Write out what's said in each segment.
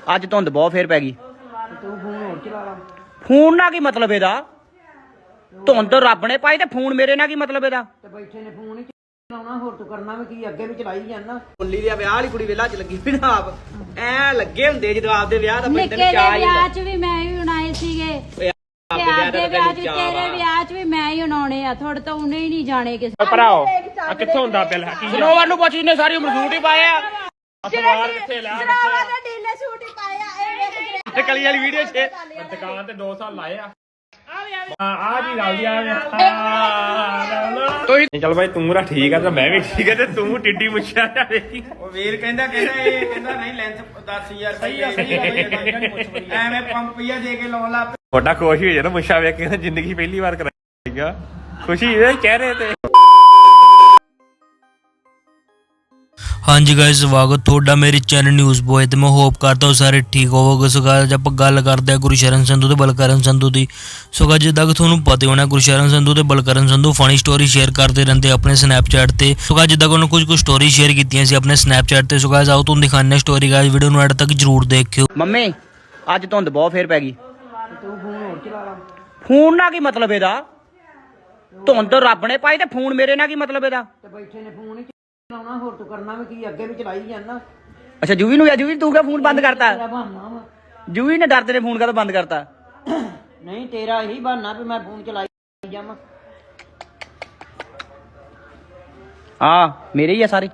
ਅੱਜ ਧੁੰਦ ਬਹੁਤ ਫੇਰ ਪੈ ਗਈ। ਤੂੰ ਫੋਨ ਹੋਰ ਚਲਾ ਲਾ। ਫੋਨ ਨਾਲ ਕੀ ਮਤਲਬ ਇਹਦਾ? ਧੁੰਦ ਰੱਬ ਨੇ ਪਾਈ ਤੇ ਫੋਨ ਮੇਰੇ ਨਾਲ ਕੀ ਮਤਲਬ ਇਹਦਾ? ਤੇ ਬੈਠੇ ਨੇ ਫੋਨ ਹੀ ਚਲਾਉਣਾ, ਹੋਰ ਤੂੰ ਕਰਨਾ ਵੀ ਕੀ, ਅੱਗੇ ਵੀ ਚਲਾਈ ਜਾਂਦਾ। ਬੁੱਲੀ ਦੇ ਵਿਆਹ ਵਾਲੀ ਕੁੜੀ ਵੇਲਾ ਚ ਲੱਗੀ ਵੀ ਨਾ ਆਪ ਐ ਲੱਗੇ ਹੁੰਦੇ ਜਦੋਂ ਆਪਦੇ ਵਿਆਹ ਦਾ ਨਿੱਕੇ ਦੇ ਵਿਆਹ ਚ ਵੀ ਮੈਂ ਹੀ ਬਣਾਏ ਸੀਗੇ, ਆਪਦੇ ਵਿਆਹ ਚ ਤੇਰੇ ਵਿਆਹ ਚ ਵੀ ਮੈਂ ਹੀ ਬਣਾਉਣੇ ਆ। ਥੋੜੇ ਤਾਂ ਉਹਨੇ ਹੀ ਨਹੀਂ ਜਾਣੇ ਕਿਸੇ ਭਰਾਓ ਆ ਕਿੱਥੋਂ ਹੁੰਦਾ ਬਿੱਲ? ਸਨੋਵਰ ਨੂੰ ਪੁੱਛ ਇਹਨੇ ਸਾਰੀ ਉਮਰ ਸੂਟ ਹੀ ਪਾਏ ਆ। ਸਲਵਾਰ ਕਿੱਥੇ ਲੈ ਸਰਾਵਾ ਦੇ ਢੀਲੇ ਸੂਟ ਹੀ ਪਾਏ ਆ। ਇਹ ਵੇਖ ਕਲੀ ਵਾਲੀ ਵੀਡੀਓ 'ਚ ਦੁਕਾਨ ਤੇ 2 ਸਾਲ ਲਾਏ ਆ। ਆ ਜੀ ਰਲ ਗਿਆ ਤੁਸੀਂ ਚੱਲ ਬਾਈ ਤੂੰ ਰਾ ਠੀਕ ਆ ਤੇ ਮੈਂ ਵੀ ਠੀਕ ਆ ਤੇ ਤੂੰ ਟਿੱਡੀ ਮੁੱਛਿਆ ਜਾ ਵੇਖੀ। ਉਹ ਵੀਰ ਕਹਿੰਦਾ ਇਹ ਕਹਿੰਦਾ ਨਹੀਂ ਲੈਂਸ 10000 ਸਹੀ ਆ ਐਵੇਂ ਪੰਪੀਆ ਦੇ ਕੇ ਲਾਉਣ ਲੱਗ ਤੁਹਾਡਾ ਖੁਸ਼ ਹੋ ਜਾਣਾ ਮੁੱਛਾ ਵੇਖ ਕੇ, ਜ਼ਿੰਦਗੀ ਪਹਿਲੀ ਵਾਰ ਕਰਾਈਗਾ। ਖੁਸ਼ੀ ਇਹ ਚਿਹਰੇ ਤੇ। ਹਾਂਜੀ ਗਾਇਸ, ਸਵਾਗਤ ਤੁਹਾਡਾ ਮੇਰੇ ਚੈਨਲ ਨਿਊਜ਼ ਬੋਏ ਤੇ ਮੈਂ ਹੋਪ ਕਰਦਾ ਹਾਂ ਸਾਰੇ ਠੀਕ ਹੋਵੋਗੇ। ਸੋ ਗਾਇਸ ਆਪਾਂ ਗੱਲ ਕਰਦੇ ਹਾਂ ਗੁਰਸ਼ਰਨ ਸੰਧੂ ਤੇ ਬਲਕਰਨ ਸੰਧੂ ਦੀ। ਸੋ ਗਾਇਸ ਜਿੱਦਾਂ ਕਿ ਤੁਹਾਨੂੰ ਪਤਾ ਹੋਣਾ ਗੁਰਸ਼ਰਨ ਸੰਧੂ ਤੇ Balkaran Sandhu funny story share ਕਰਦੇ ਰਹਿੰਦੇ ਆਪਣੇ ਸਨੈਪਚੈਟ ਤੇ। ਸੋ ਗਾਇਸ ਜਿੱਦਾਂ ਕਿ ਉਹਨਾਂ ਕੁਝ ਸਟੋਰੀ ਸ਼ੇਅਰ ਕੀਤੀਆਂ ਸੀ ਆਪਣੇ ਸਨੈਪਚੈਟ ਤੇ। ਸੋ ਗਾਇਸ ਆਓ ਤੁਹਾਨੂੰ ਦਿਖਾਉਂਦੇ ਸਟੋਰੀ। ਗਾਇਸ ਵੀਡੀਓ ਨੂੰ ਐਡ ਤੱਕ ਜਰੂਰ ਦੇਖਿਓ। ਮੰਮੀ ਅੱਜ ਧੁੰਦ ਬਹੁਤ ਫੇਰ ਪੈ ਗਈ। ਤੂੰ ਫੋਨ ਹੋਰ ਚਲਾ ਲਾ। ਫੋਨ ਨਾਲ ਕੀ ਮਤਲਬ ਇਹਦਾ? ਧੁੰਦ ਰੱਬ ਨੇ ਪਾਈ ਤੇ ਫੋਨ ਮੇਰੇ ਨਾਲ ਕੀ ਮਤਲਬ ਇਹਦਾ? ਤੇ ਬੈਠੇ ਨੇ ਫੋਨ ਹੀ ਚਲਾਉਣਾ, ਹੋਰ ਤੂੰ ਕਰਨਾ ਵੀ ਕੀ, ਅੱਗੇ ਵੀ ਚਲਾਈ ਜਾਂਦਾ। ਅੱਛਾ ਜੂਵੀ ਨੂੰ ਜੂਵੀ ਤੂੰ ਕਿਉਂ ਫੋਨ ਬੰਦ ਕਰਤਾ? ਤੇਰਾ ਬਹਾਨਾ ਵਾ। ਜੂਵੀ ਨੇ ਡਰਦੇ ਨੇ ਫੋਨ ਕਦੋਂ ਬੰਦ ਕਰਤਾ? ਨਹੀਂ ਤੇਰਾ ਇਹੀ ਬਹਾਨਾ ਵੀ ਮੈਂ ਫੋਨ ਚਲਾਈ ਜਾਵਾਂ। ਹਾਂ ਮੇਰੇ ਹੀ ਆ ਸਾਰੇ।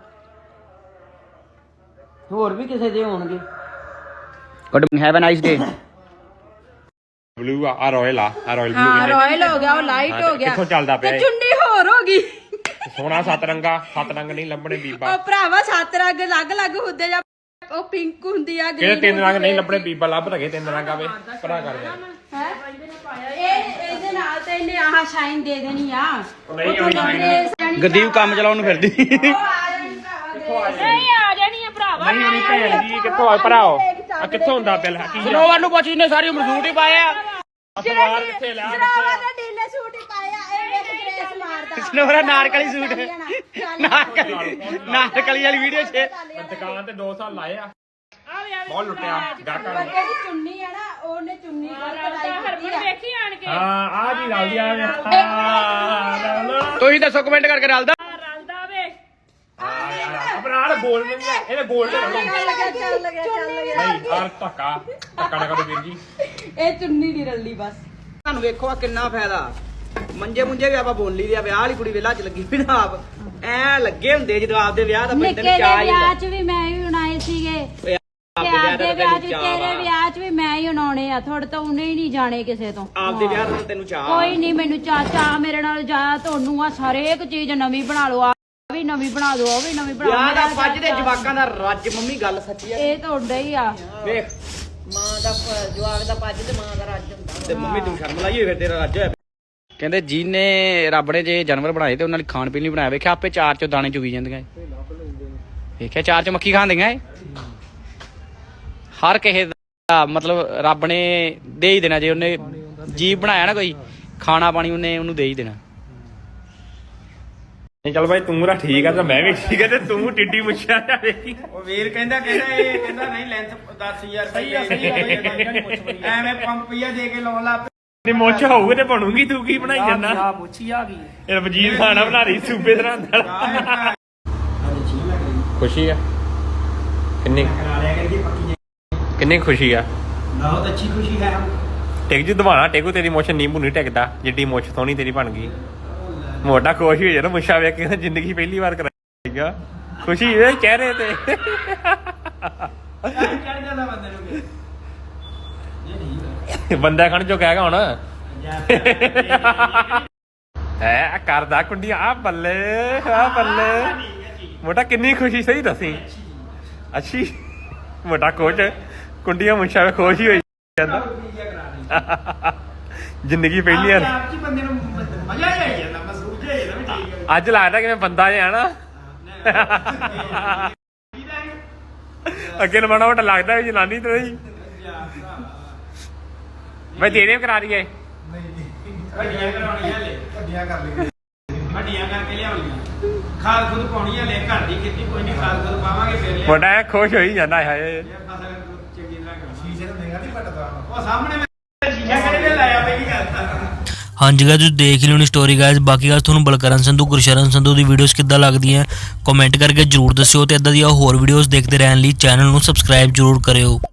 ਹੋਰ ਵੀ ਕਿਸੇ ਦੇ ਹੋਣਗੇ। Good have a nice day. Blue ਆ ਰਾਇਲ ਆ ਰਾਇਲ ਬਲੂ ਹਾਂ ਰਾਇਲ ਹੋ ਗਿਆ, ਉਹ ਲਾਈਟ ਹੋ ਗਿਆ ਕਿੱਥੋਂ ਚੱਲਦਾ ਪਿਆ ਤੇ ਇਹ? ਚੁੰਨੀ ਹੋਰ ਹੋ ਗਈ। ਸੋਹਣਾ 7 ਰੰਗਾ, 7 ਰੰਗ ਨਹੀਂ ਲੱਭਣੇ ਬੀਬਾ। ਉਹ ਭਰਾਵਾ 7 ਰੰਗ ਅਲੱਗ-ਅਲੱਗ ਹੁੰਦੇ ਜਾਂ ਉਹ ਪਿੰਕ ਹੁੰਦੀ ਆ, ਕਿਹੜੇ 3 ਰੰਗ ਨਹੀਂ ਲੱਭਣੇ ਬੀਬਾ? ਲੱਭ ਰਗੇ 3 ਰੰਗ ਆਵੇ ਭਰਾ ਕਰਦੇ ਹੈ। ਇਹ ਇਹਦੇ ਨਾਲ ਤੇ ਇਹਨੇ ਆਹ ਸ਼ਾਈਨ ਦੇ ਦੇਣੀ ਆ। ਨਹੀਂ ਆਉਣੀ ਗਦੀਪ ਕੰਮ ਚਲਾਉਣ ਨੂੰ ਫਿਰਦੀ। ਨਹੀਂ ਆ ਜਾਣੀ ਆ ਭਰਾਵਾ। ਨਹੀਂ ਹੋਣੀ ਭੈਣ ਜੀ। ਕਿੱਥੋਂ ਆ ਭਰਾਓ ਆ ਕਿੱਥੋਂ ਹੁੰਦਾ ਬਿੱਲ? ਸਨੋਵਰ ਨੂੰ ਪੁੱਛ ਇਹਨੇ ਸਾਰੀ ਉਮਰ ਸੂਟ ਹੀ ਪਾਏ ਆ। ਸਲਵਾਰ ਕਿੱਥੇ ਲੈ ਸਰਾਵਾ ਦੇ ਢੀਲੇ ਸੂਟ ਹੀ ਪਾਏ ਆ। ਇਹ ਵੇਖ ਗ੍ਰੇਸ ਮਾਰਦਾ। ਸਨੋਵਰ ਨਾਰਕਲੀ ਸੂਟ ਨਾਰਕਲੀ ਵਾਲੀ ਵੀਡੀਓ 'ਚ ਦੁਕਾਨ ਤੇ 2 ਸਾਲ ਲਾਏ ਆ। ਬਹੁਤ ਲੁੱਟਿਆ ਗਾਹਕਾਂ ਨੂੰ। ਜਿਹੜੀ ਚੁੰਨੀ ਆ ਨਾ, ਉਹਨੇ ਚੁੰਨੀ ਗਲਤ ਲਾਈ ਕੀਤੀ ਆ। ਹਾਂ ਆ ਜੀ ਰਲ ਗਿਆ ਤੁਸੀਂ ਦੱਸੋ ਕਮੈਂਟ ਕਰਕੇ ਰਲਦਾ। ਆਪਣਾ ਗੋਲ ਨਹੀਂ ਹੈ, ਇਹਨੇ ਗੋਲ ਤੇ ਨਹੀਂ ਚੱਲ ਗਿਆ। ਆਰ ਧੱਕਾ ਨਾ ਕਰੋ ਵੀਰ ਜੀ। ਇਹ ਚੁੰਨੀ ਦੀ ਰੱਲੀ ਬਸ। ਤੁਹਾਨੂੰ ਵੇਖੋ ਆ ਕਿੰਨਾ ਫਾਇਦਾ। ਮੰਜੇ ਮੁੰਜੇ ਵੀ ਆਪਾਂ ਬੋਲੀ ਦੇ ਵਿਆਹ ਵਾਲੀ ਕੁੜੀ ਵੇਲਾ ਚ ਲੱਗੀ ਵੀ ਨਾ ਆਪ ਐ ਲੱਗੇ ਹੁੰਦੇ ਜਦੋਂ ਆਪਦੇ ਵਿਆਹ ਦਾ ਨਿੱਕੇ ਦੇ ਵਿਆਹ ਚ ਵੀ ਮੈਂ ਹੀ ਬਣਾਏ ਸੀਗੇ, ਆਪਦੇ ਵਿਆਹ ਚ ਤੇਰੇ ਵਿਆਹ ਚ ਵੀ ਮੈਂ ਹੀ ਬਣਾਉਣੇ ਆ। ਥੋੜੇ ਤਾਂ ਉਹਨੇ ਹੀ ਨਹੀਂ ਜਾਣੇ ਕਿਸੇ ਤੋਂ। ਆਪਦੇ ਵਿਆਹ ਦਾ ਤੈਨੂੰ ਚਾਹ ਕੋਈ ਨਹੀਂ ਮੈਨੂੰ ਚਾਚਾ ਮੇਰੇ ਨਾਲ ਜਾ। ਤੁਹਾਨੂੰ ਆ ਸਾਰੇ ਇੱਕ ਚੀਜ਼ ਨਵੀਂ ਬਣਾ ਲਓ, ਆ ਵੀ ਨਵੀਂ ਬਣਾ ਦੋ, ਉਹ ਵੀ ਨਵੀਂ ਬਣਾ ਵਿਆਹ ਦਾ ਪੱਜ ਦੇ ਜਵਾਕਾਂ ਦਾ ਰੱਜ। ਮੰਮੀ ਗੱਲ ਸੱਚੀ ਆ। ਇਹ ਤੁਹਾਡਾ ਹੀ ਆ। ਵੇਖ ਮਾਂ ਦਾ ਜਵਾਕ ਦਾ ਪੱਜ ਤੇ ਮਾਂ ਦਾ ਰੱਜ ਹੁੰਦਾ। ਤੇ ਮੰਮੀ ਤੂੰ ਸ਼ਰਮ ਲਾਈ ਹੋਈ ਫਿਰ ਤੇਰਾ ਰੱਜ ਹੋਇਆ। ਕਹਿੰਦੇ ਜਿਹਨੇ ਰੱਬ ਨੇ ਜੇ ਜਾਨਵਰ ਬਣਾਏ ਤੇ ਉਹਨਾਂ ਲਈ ਖਾਣ ਪੀਣ ਲਈ ਬਣਾਇਆ। ਵੇਖਿਆ ਆਪੇ ਚਾਰ ਚੋਂ ਦਾਣੇ ਚੁਗੀ ਜਾਂਦੀਆਂ। ਵੇਖਿਆ ਚਾਰ ਚੋਂ ਮੱਖੀ ਖਾਂਦੀਆਂ ਏ। ਹਰ ਕਿਸੇ ਦਾ ਮਤਲਬ ਰੱਬ ਨੇ ਦੇ ਹੀ ਦੇਣਾ। ਜੇ ਉਹਨੇ ਜੀਵ ਬਣਾਇਆ ਨਾ ਕੋਈ, ਖਾਣਾ ਪਾਣੀ ਉਹਨੇ ਉਹਨੂੰ ਦੇ ਹੀ ਦੇਣਾ। ਚੱਲ ਬਾਈ ਤੂੰ ਰਾ ਠੀਕ ਆ ਤੇ ਮੈਂ ਵੀ ਠੀਕ ਆ ਤੇ ਤੂੰ ਟਿੱਡੀ ਮੁੱਛਿਆ ਜਾ ਵੇਖੀ। ਉਹ ਵੀਰ ਕਹਿੰਦਾ ਇਹ ਕਹਿੰਦਾ ਨਹੀਂ ਲੈਂਸ 10000 ਸਹੀ ਆ ਐਵੇਂ ਪੰਪੀਆ ਦੇ ਕੇ ਲਾਉਣ ਲੱਗ ਨਹੀਂ ਮੁੱਛ ਹੋਊਗੀ ਤੇ ਬਣੂਗੀ। ਤੂੰ ਕੀ ਬਣਾਈ ਜਾਂਦਾ? ਆ ਮੁੱਛੀ ਆ ਗਈ। ਇਹ ਵਜੀਰ ਖਾਣਾ ਬਣਾ ਰਹੀ ਸੂਬੇ ਤਰ੍ਹਾਂ ਦਾ। ਖੁਸ਼ੀ ਆ ਕਿੰਨੀ ਕਿੰਨੀ ਖੁਸ਼ੀ ਆ? ਬਹੁਤ ਅੱਛੀ ਖੁਸ਼ੀ ਹੈ। ਟਿਕ ਜੀ ਦਵਾਣਾ ਟੇਕੂ ਤੇਰੀ ਮੁੱਛ ਨੀਂਬੂ ਨਹੀਂ ਟਿਕਦਾ ਜਿੱਡੀ ਮੁੱਛ ਸੋਹਣੀ ਤੇਰੀ ਬਣ ਗਈ। ਮੋਟਾ ਖੁਸ਼ ਹੋ ਜਾਣਾ ਮੁੱਛਾ ਵੇਖ ਕੇ, ਜ਼ਿੰਦਗੀ ਪਹਿਲੀ ਵਾਰ ਕਰਾਈਗਾ। ਖੁਸ਼ੀ ਇਹ ਚਿਹਰੇ ਤੇ। ਚੜ ਜਾਂਦਾ ਬੰਦੇ ਨੂੰ ਬੰਦਾ ਖਣ ਜੋ ਕਹੇਗਾ ਹੁਣ ਹੈ ਕਰਦਾ ਕੁੰਡੀਆਂ ਆ ਬੱਲੇ ਆ ਬੱਲੇ। ਮੋਟਾ ਕਿੰਨੀ ਖੁਸ਼ੀ ਸਹੀ ਦੱਸੀ। ਅੱਛੀ ਮੋਟਾ ਕੋਚ ਕੁੰਡੀਆਂ ਮੁੱਛਾਂ ਵੇ ਖੁਸ਼ ਹੀ ਹੋਈ ਜਾਂਦਾ। ਜ਼ਿੰਦਗੀ ਪਹਿਲੀ ਵਾਰ ਆਪ ਬੰਦੇ ਨੂੰ ਮਜ਼ਾ ਹੀ ਆਈ ਜਾਂਦਾ। ਮਸੂਦ ਜਿਹਾ ਜਾਂਦਾ ਵੀ ਠੀਕ ਹੈ। ਅੱਜ ਲੱਗਦਾ ਕਿਵੇਂ ਬੰਦਾ ਜਿਹਾ ਨਾ। ਅੱਗੇ ਨੂੰ ਮਾੜਾ ਮੋਟਾ ਲੱਗਦਾ ਵੀ ਜਨਾਨੀ ਤੇ ਨਹੀਂ। ਮੈਂ ਤੇਰੇ ਕਰਾ ਦਈਏ। ਵੱਡੀਆਂ ਕਰਾਉਣੀਆਂ ਲੈ ਵੱਡੀਆਂ ਕਰ ਲਈ ਵੱਡੀਆਂ ਕਰਕੇ ਲਿਆਉਣੀਆਂ। ਖਾਦ ਖੁਦ ਪਾਉਣੀ ਹੈ ਲੈ ਘਰ ਦੀ ਖੇਤੀ ਕੋਈ ਨਹੀਂ। ਖਾਦ ਖੁਦ ਪਾਵਾਂਗੇ ਫਿਰ ਮੋਟਾ ਖੁਸ਼ ਹੋਈ ਜਾਂਦਾ ਹੈ। ਚੰਗੀ ਤਰ੍ਹਾਂ ਕਰਨਾ ਸ਼ੀਸ਼ੇ ਨੂੰ ਦੇਗਾ ਨਹੀਂ ਪਟਦਾ ਉਹ ਸਾਹਮਣੇ ਮੈਂ ਸ਼ੀਸ਼ਾ ਕਿਹੜੇ ਲਾਇਆ ਪਹਿਲੀ ਗੱਲ ਤਾਂ ਹਾਂਜੀ ਗਾਇਸ ਤੁਸੀਂ ਦੇਖ ਹੀ ਲਿਓਣੀ ਸਟੋਰੀ ਗਾਇਸ। ਬਾਕੀ ਗੱਲ ਤੁਹਾਨੂੰ ਬਲਕਰਨ ਸੰਧੂ ਗੁਰਸ਼ਰਨ ਸੰਧੂ ਦੀ ਵੀਡੀਓਜ਼ ਕਿੱਦਾਂ ਲੱਗਦੀਆਂ ਕਮੈਂਟ ਕਰਕੇ ਜਰੂਰ ਦੱਸਿਓ ਤੇ ਇਦਾਂ ਦੀਆਂ ਹੋਰ ਵੀਡੀਓਜ਼ ਦੇਖਦੇ ਰਹਿਣ ਲਈ ਚੈਨਲ ਨੂੰ ਸਬਸਕ੍ਰਾਈਬ ਜਰੂਰ ਕਰਿਓ।